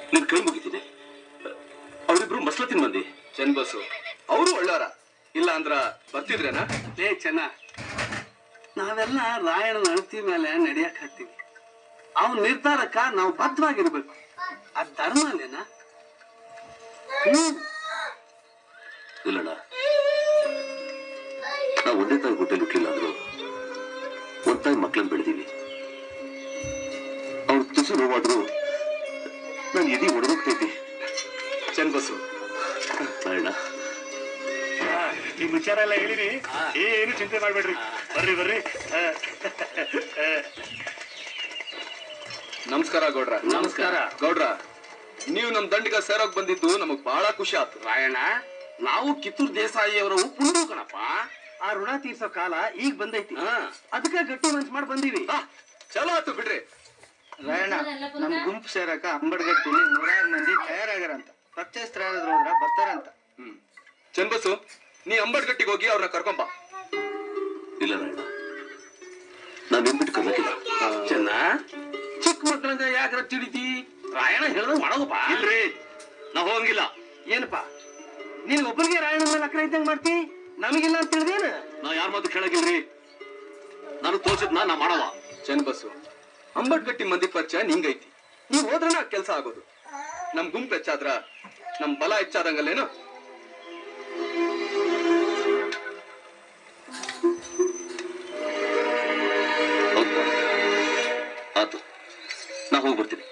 ನಿನ್ ಕೈ ಮುಗಿತೀನಿ. ಅವರಿಬ್ರು ಮಸ್ಲತ್ತಿನ ಮಂದಿ. ಚನ್ನಬಸು ಅವರು ಒಳ್ಳೆಯವರ, ಇಲ್ಲ ಅಂದ್ರ ಬರ್ತಿದ್ರೇನಾ? ಚೆನ್ನ, ನಾವೆಲ್ಲ ರಾಯಣ್ಣನ ಅಳತಿ ಮೇಲೆ ನಡೆಯಕ್ ಹತ್ತೀವಿ. ಅವನ ನಿರ್ಧಾರಕ್ಕ ನಾವು ಬದ್ಧವಾಗಿರ್ಬೇಕು. ಅದ್ ಧರ್ಮ ಅಲ್ಲೇನಾ? ಇಲ್ಲಣ್ಣ, ನಾವು ಒಂದೇ ತಾಯಿ ಹೊಟ್ಟೆಲಿ ಹುಟ್ಟಿಲ್ಲ ಅಂದ್ರು ಒಂದ್ ತಾಯಿ ಮಕ್ಳನ್ನ ಬೆಳೆದೀವಿ. ಅವ್ರ ತುಸು ನೋವಾದ್ರು ನಾನು ಎದಿ ಒಡಗೋಗ್ತೈತಿ. ಚನ್ನಬಸು ರಾಯಣ್ಣ, ಈ ವಿಚಾರ ಎಲ್ಲ ಹೇಳಿರಿ, ಏನು ಚಿಂತೆ ಮಾಡ್ಬೇಡ್ರಿ. ಬರ್ರಿ ಬರ್ರಿ. ನಮಸ್ಕಾರ ಗೌಡ್ರ. ನಮಸ್ಕಾರ ಗೌಡ್ರ, ನೀವು ನಮ್ ದಂಡಿಗ ಸೇರೋಕ್ ಬಂದಿದ್ದು ನಮಗ್ ಬಹಳ ಖುಷಿ ಆಯ್ತು. ರಾಯಣ್ಣ, ನಾವು ಕಿತ್ತೂರು ದೇಸಾಯಿ ಅವರ ಪುಂಡು ಕಣಪ್ಪ. ಆ ಋಣ ತೀರ್ಸೋ ಕಾಲ ಈಗ ಬಂದೈತಿ. ಅದಕ್ಕೆ ಗಟ್ಟಿ ಮನ್ಸ್ ಮಾಡಿ ಬಂದೀವಿ. ಚಲೋ ಆಯ್ತು ಬಿಡ್ರಿ. ರಾಯಣ್ಣ, ನಮ್ ಗುಂಪು ಸೇರಕ ಅಂಬಡ್ಗಟ್ಟಿಲಿ 100 ಮಂದಿ ತಯಾರಾಗ್ಯಾರಂತ. ಪರಿಚಯಸ್ಥರಾದ್ರು ಹೋದ್ರ ಬರ್ತಾರಂತ. ಚನ್ನಬಸು, ನೀ ಅಂಬಡ್ಗಟ್ಟಿಗೆ ಹೋಗಿ ಅವ್ರನ್ನ ಕರ್ಕೊಂಬ. ಇಲ್ಲ ರಾಯಣ್ಣ, ನಾನು ನಿಂಬಿಟ್ಟು ಕರ್ಲಕ್ಕಿಲ್ಲ. ಚೆನ್ನ, ಚಿಕ್ಕ ಮಕ್ಕಳಂಗ ಯಾಕ್ರ ತಿಳಿತಿ? ರಾಯಣ್ಣ ಹೇಳ್ದಂಗ ಮಾಡೋದಪ್ಪ. ಇಲ್ರಿ, ನಾ ಹೋಗಂಗಿಲ್ಲ. ಏನಪ್ಪ, ನೀನ್ ಒಬ್ಬರಿಗೆ ರಾಯಣ್ಣ ಮೇಲೆ ಅಕ್ರ ಇದ್ದಂಗ ಮಾಡ್ತಿ, ನಮಗಿಲ್ಲ ಅಂತ ತಿಳಿದೇನ? ನಾ ಯಾರ ಮಾತು ಕೇಳಂಗಿಲ್ರಿ. ನಾನು ತೋರ್ಸಿದ್ನ ನಾ ಮಾಡವ. ಚನ್ನಬಸು, ಅಂಬಡ್ಗಟ್ಟಿ ಮಂದಿ ಪರಿಚಯ ನಿಂಗೈತಿ. ನೀವ್ ಹೋದ್ರನ ಕೆಲ್ಸ ಆಗೋದು. ನಮ್ ಗುಂಪು ಹೆಚ್ಚಾದ್ರ ನಮ್ ಬಲ ಹೆಚ್ಚಾದಂಗಲ್ಲೇನು? ಆತು, ನಾ ಹೋಗ್ಬರ್ತೀನಿ.